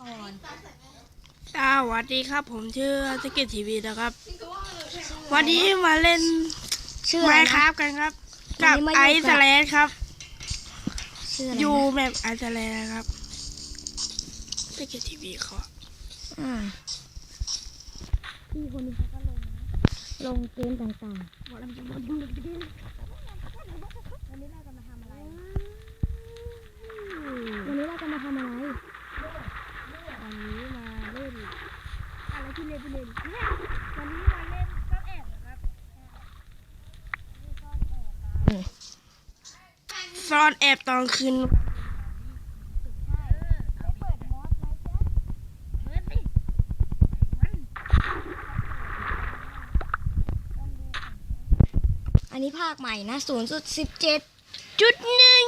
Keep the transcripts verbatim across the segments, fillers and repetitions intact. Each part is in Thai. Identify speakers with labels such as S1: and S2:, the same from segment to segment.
S1: อ่อน
S2: สวัสดีครับผมชื่อสกิททีวีนะครับวันนี้มาเล่นไมค์ครับกันครับกับไอซ์แลนด์ครับอยู่แบบไอซ์แลนด์ครับสกิททีวีเขา
S1: พี่คนนี้เขาก็ลงนะลงเกมต่างๆวันนี้เราจะมาทำอะไรวันนี้เราจะมาทำอะไร
S2: วันนี้มาเล่นอะไรที่เล่นที่เล่นวันนี้มาเล่นซ่อนแอบนะครับซ่อนแอบตอนคืน
S1: อันนี้ภาคใหม่นะศูนย์จุดสิบเจ็ด
S2: จุดหนึ่ง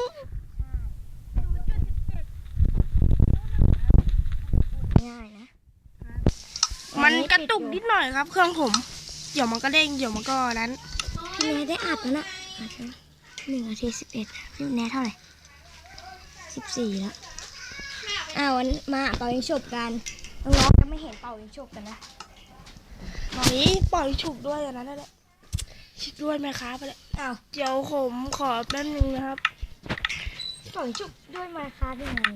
S1: ง่ายนะ
S2: มันกระตุกนิดหน่อยครับเครื่องผมเดี๋ยวมันก็เด้งเดี๋ยวมันก็นั้น
S1: พี่แนทได้อัดแล้วนะหนึ่งนาทีสิบเอ็ดพี่แนทเท่าไหร่สิบสี่แล้วอ้าววันมาเป่ายิงฉุบกันน้องๆจะไม่เห็นเป่ายิงฉุบกันนะ
S2: ตอนนี้ปล่อยฉุบด้วยอย่างนั้นแหละฉุบด้วยไหมครับไปเลยอ้าวเดี๋ยวผมขอแป๊บนึงนะครับ
S1: เป่ายิงฉุบด้วยไหมครับยังไง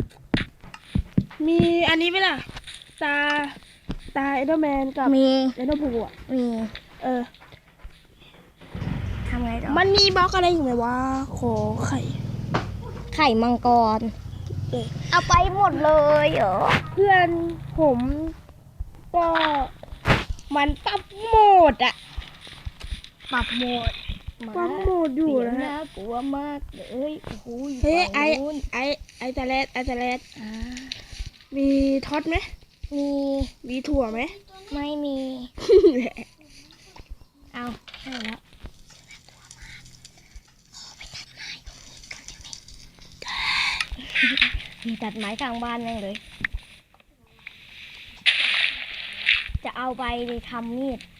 S2: มีอันนี้ไหมล่ะตาตาเอเดอร์แมนกับ
S1: มี
S2: เอเดอร์พูอ่ะ
S1: มี
S2: เออ
S1: ทำไงต่อ
S2: มันมีบล็อกอะไรอยู่ไหมวะขอไข่
S1: ไข่มังกร
S2: เออ
S1: เอาไปหมดเลยเหรอ
S2: เพื่อนผมก็มันปรับโหมดอะ
S1: ปรับโหมด
S2: ปรับโหมดอยู่นะฮะ
S1: น่ากลัวมากเลยโอ้โห
S2: เฮ้ยไอไอไอตะเลดไอตะเลดมีท็อตไหม
S1: มี
S2: มีถั่วไหม
S1: ไม่มีเอาใช่แล้วมีตัดไม้กลางบ้านแม่งเลยจะเอาไปทำมีด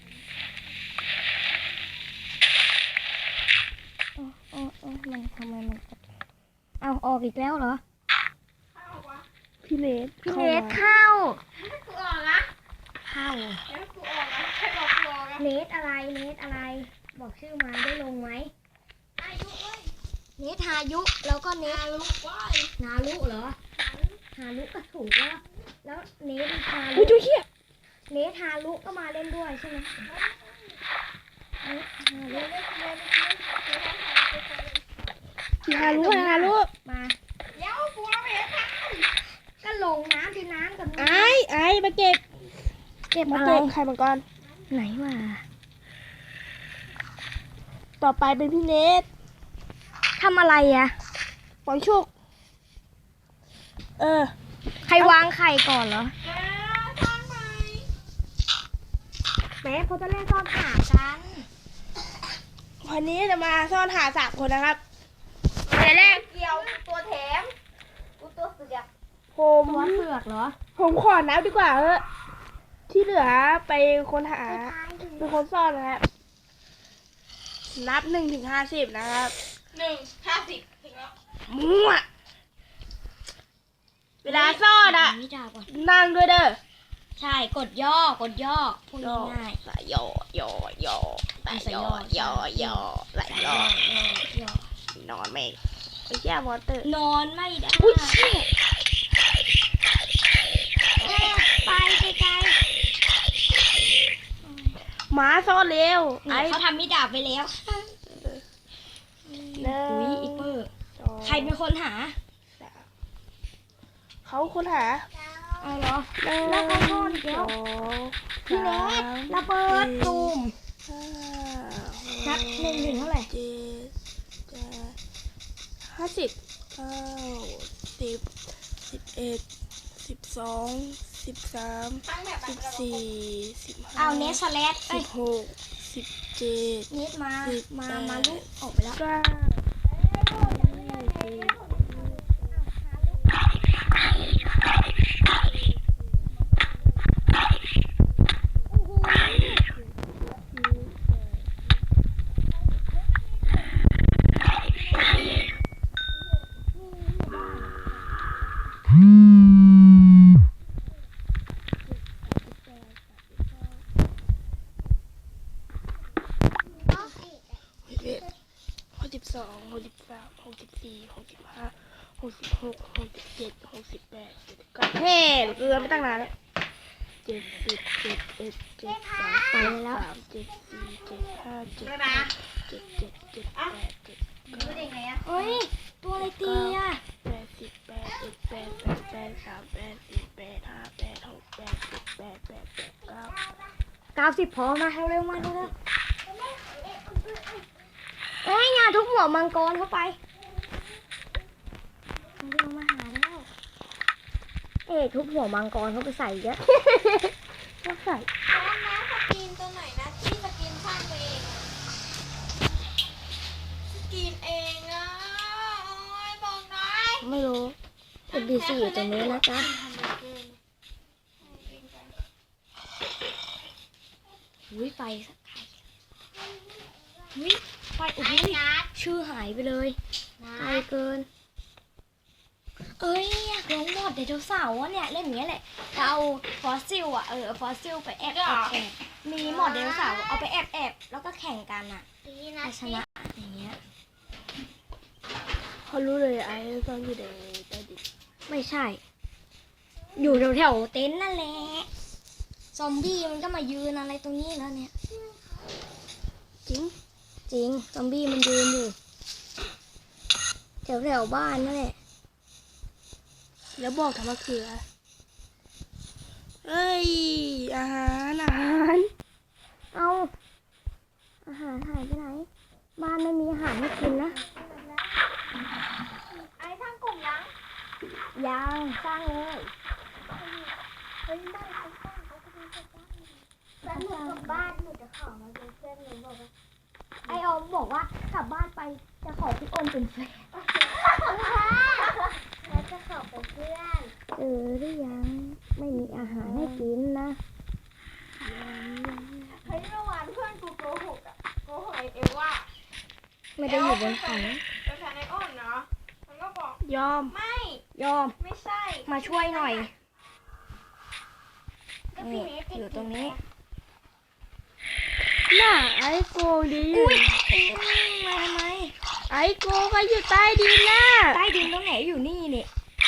S1: โอ้โอ้โอ้มันทำไมมันเอาออกอีกแล้วเหรอ
S2: พี่เลส
S1: พี่เลสเข้า
S3: กูออกนะ
S1: เข้า
S3: แล้วกูออกนะใครบอกกูออกนะ
S1: เลสอะไรเลสอะไรบอกชื่อมาได้ลงไหม
S3: อายุเว้ย
S1: เนทายุแล้วก็เนท
S3: นาลุว้าย
S1: นาลุเหรอฮาลุก็ถูกแล้วแล้วเนทฮาลุ
S2: อุ้ยดูเหี้ย
S1: เนทฮาลุก็มาเล่นด้วยใช่ไหมเนทฮาลุ
S2: ฮารุฮารุ
S1: มา
S3: เดี๋ยวกูเอาไปให้
S1: ก็ลงน้ำที่น้ำกับ
S2: ไอ้ไอ้มาเก็บ
S1: เก็บ
S2: มา
S1: อะไร
S2: เก็บไข่มังกร
S1: ไหนวะ
S2: ต่อไปเป็นพี่เนท
S1: ทำอะไรอะ
S2: ปล่อยชุกเออ
S1: ใครวางไข่ก่อนเหรอ
S3: แกทำไม
S1: แม่เขาจะเล่นซ่อนหากัน
S2: วันนี้จะมาซ่อนหาสามคนนะครับ
S3: เดี๋ยวแรกเกี่ยวตัวแถมกูตัวเสือก
S2: ผม
S1: ตัวเสือกเหรอ
S2: ผมขอนับดีกว่าเออที่เหลือไปคนหาเป็นคนซ่อนนะครับนับหนึ่งถึงห้าสิบนะครับ
S3: หนึ่งห้าสิบถึงแล้ว
S2: มั่วเวลาซ่อนอะนั่งด้วยเด้อ
S1: ใช่กดย่อกดย่อพูดง่าย
S2: ใส่ย่อย่อย่อใส่ย่อย่อย่อใส่ย่อนอนไม่ไอ้แย่มอเตอร์
S1: นอนไม่ได้
S2: อุ้ยเชี่ย
S1: ไปไกล
S2: ๆหมาซ่อนเร็ว
S1: ไอ้เขาทำมิดาบไปแล้วอุ้ยอีเปอร์ใครเป็นคนหา
S2: เขาคนหา
S1: เอาเหรอแล้วก็นอนเดี๋ยวพี่เนทระเบิดตูมนับหนึ่งถึงเท่าไหร่
S2: เจ็ดห้าสิบเก้าสิบสิบเอ็ดสิบสองสิบสามสิบสี่สิบห้า
S1: เอาเนสแลด
S2: สิบหกสิบเจ็ด
S1: เนสมามามาลุกออกไปแล้ว
S2: สี่หกสิบห้าหกสิบหกหกสิบเจ็ดหกสิบแปดเจ็ดสิบเก้าเฮ้เกินไม่ตั้งนานแล้วเจ็ดสิบเจ็ดเอ็ดเจ็ดสองเจ็ดสามเจ็ดสี่เจ็ดห้าเจ็ดหกเจ็ดเจ็ดเจ็ดแปดเจ็ดเก้า
S3: รู้ได้ไงอ่ะ
S1: เฮ้ย ตัวอะไรตีอ่ะ
S2: แปดสิบแปดเอ็ดแปดแปดแปดสามแปดสี่แปดห้าแปดหกแปดเจ็ดแปดแปดแปดเก้า
S1: เก้าสิบพอมาเร็วๆมาเร็วๆเอ้ยอย่าทุบหัวมังกรเข้าไปเร็วมาหาแล้วเอ๊ะทุบหัวมังกรเข้าไปใส่เยอะก็ใส่
S3: แล้วนะสกินตัวไหนนะที่สกินสร้างตัวเองสกินเองอ่ะโอ้ยบอกหน่อย
S1: ไม่รู้เอ็ดบีซีอยู่ตรงนี้นะจ๊ะอุ้ยไฟสักไข่อุ้ยไฟโอ้โหชื่อหายไปเลยไกลเกิน เอ้ยอยากลองมอดไดโนเสาร์อะเนี่ยเล่นอย่างเงี้ยแหละจะเอาฟอสซิลอะเออฟอสซิลไปแอบแอบแอบมีมอดไดโนเสาร์เอาไปแอบแอบแล้วก็แข่งกันอะใครชนะอย่างเงี้ย
S2: เขารู้เลยไอ้ตอนอยู่ในใต้ดิน
S1: ไม่ใช่ อยู่แถวแถวๆเต็นท์นั่นแหละซอมบี้มันก็มายืนอะไรตรงนี้แล้วเนี่ย
S2: จริง
S1: จริงซอมบี้มันยืนอยู่แถวแถวๆบ้านนั่นแหละ
S2: แล้วบอกทำไมคืออะไรเอ้ยอาหารอาหาร
S1: เอาอาหารหายไปไหน บ้านไม่มีอาหารให้กินนะ
S3: ไอ้ทั้งกลุ่มยัง
S1: ยังสร้างเลย
S3: เฮ้ยบ้านเขาสร้างเขาจะมีสร้างแล้วหนูกลับบ้านหนูจะขอมาเป็นเพื่อนหนูบอกว่า
S1: ไอออมบอกว่ากลับบ้านไปจะขอพี่อ้นเป็นแฟน
S3: แล้วจะขอเป็นเพื่อน
S1: เจอหรือยังไม่มีอาหารให้กินนะ
S3: เฮ้ยเมื่อวานเพื่อนกูโกหกอ่ะโกหกไอเอวว่า
S1: ไม่ได้อยู่บนเขา
S3: เป็นแฟนไออ้นเนาะมันก็บอก
S2: ยอม
S3: ไม่
S1: ยอม
S3: ไม่ใช่
S1: มาช่วยหน่อย
S3: ก็พี่
S1: นี่
S3: เมย์ติด
S1: อยู่ตรงนี้
S2: น่าไอ้โกดี
S1: อุ้ยอืมมาทำไม
S2: ไอ้โกก็อยู่ใต้ดินน่ะ
S1: ใต้ดินตรงไหนอยู่นี่นี่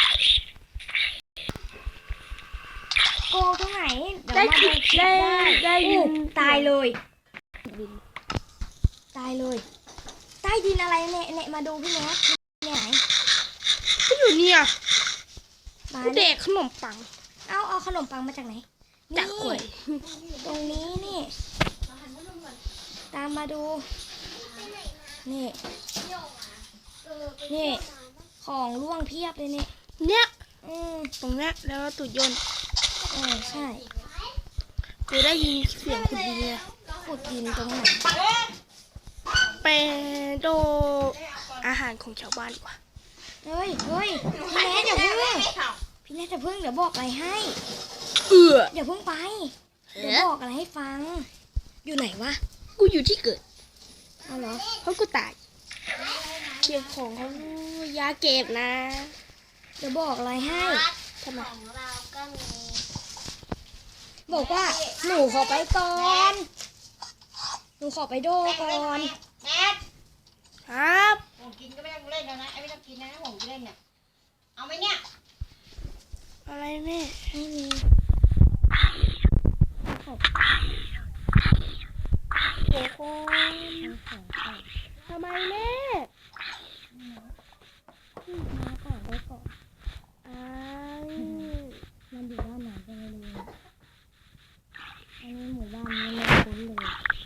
S1: โกงตรงไหนเดี๋ยว
S2: ได้
S1: มา
S2: คิ
S1: ดู
S2: ด
S1: คลิป
S2: ได้
S1: ได้
S2: ได้ยิ
S1: อู้
S2: น
S1: ตายเลย
S2: บิน
S1: ตายเลย ใต้ดินอะไรเนี่ยเนี่ยมาดูพี่แม็กเนี่ยไหน
S2: ก็อยู่เนี่ย
S1: มา
S2: เด็กขนมปัง
S1: เอาเอาขนมปังมาจากไหน
S2: จาก
S1: นี่
S2: กล้วย
S1: ตรงนี้นี่ ตามมาดู นี่ นี่ ของร่วงเพียบเลยนี่
S2: เนี่ย
S1: อืม
S2: ตรงเนี้ยแล้วตุดยนต์
S1: เออใช่
S2: กูได้ยินเสียงคุณดีเลย
S1: ขุดดินตรงไหน
S2: ไปโดอาหารของชาวบ้านดีกว่า
S1: เฮ้ยเฮ้ยพี่แนทอย่าเพิ่งพี่แนทอย่าเพิ่งเดี๋ยวบอกอะไรให้
S2: เออ
S1: อย่าเพิ่งไป เดี๋ยวบอกอะไรให้ฟัง อยู่ไหนวะ
S2: กูอยู่ที่เกิด
S1: เอาเหรอ
S2: เพราะกูตายเก็บของเขายาเก็บนะ
S1: เดี๋ยวบอกอะไรให้
S2: ทำไม
S3: ของเราก็มี
S1: บอกว่าหนูขอไปก่อน หนูขอไปโดก่อน
S3: แม็ก
S2: ครับ
S3: ผมกินก็ไม่ต้องเล่นแล้วนะไอ้ไม่ต้องกินนะผมเล่นเนี่ยเอาไหมเนี่ย
S2: อะไรแม่
S1: ไม่มี
S2: โอ้โหทำไมแม่
S1: มาก่อนได้ก่อน
S2: อ้าว
S1: มันอยู่ด้านไหนก็ไม่รู้อันนี้หมู่บ้านนี้ไม่คุ้นเลย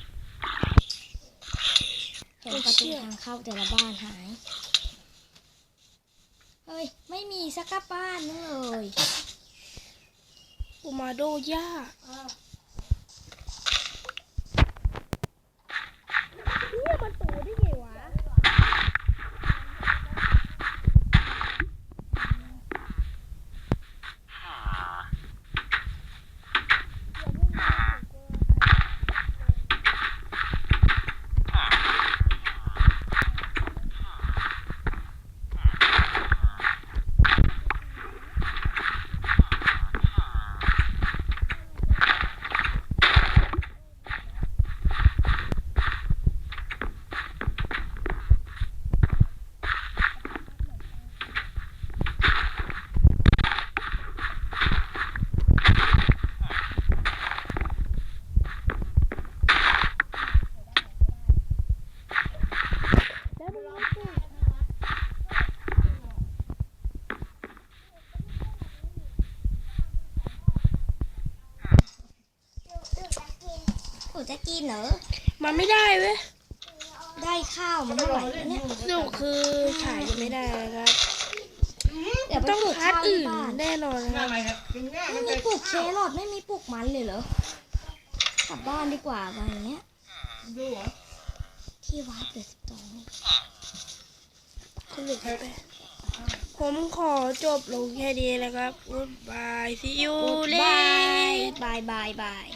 S1: เห็นประตูทางเข้าแต่ละบ้านหาย เฮ้ย ไม่มีสักบ้านนึงเลย
S2: กูมาโดย่าเนี่ยมันตูได้ไงวะ
S1: จะกินเหรอ
S2: มันไม่ได้เว้ย
S1: ได้ข้าวมันเท่าไหร่วะเนี่ย
S2: สรุปคือขายยังไม่ได้นะครับ
S1: เดี๋ยวไป
S2: ต้อง
S1: ปลูก
S2: คัด
S1: ข้าวที่
S2: อื่น
S1: บ้าน
S2: แน่นอนนะครับ
S1: ไม่มีปลูกแครอทไม่มีปลูกมันเลยเหรอกลับบ้านดีกว่าวันเนี้ยที่วัดเหลือสิบสอง
S2: สรุปไปผมขอจบลงแค่นี้นะครับ Goodbye see you
S1: บาย
S2: later
S1: บายบายบาย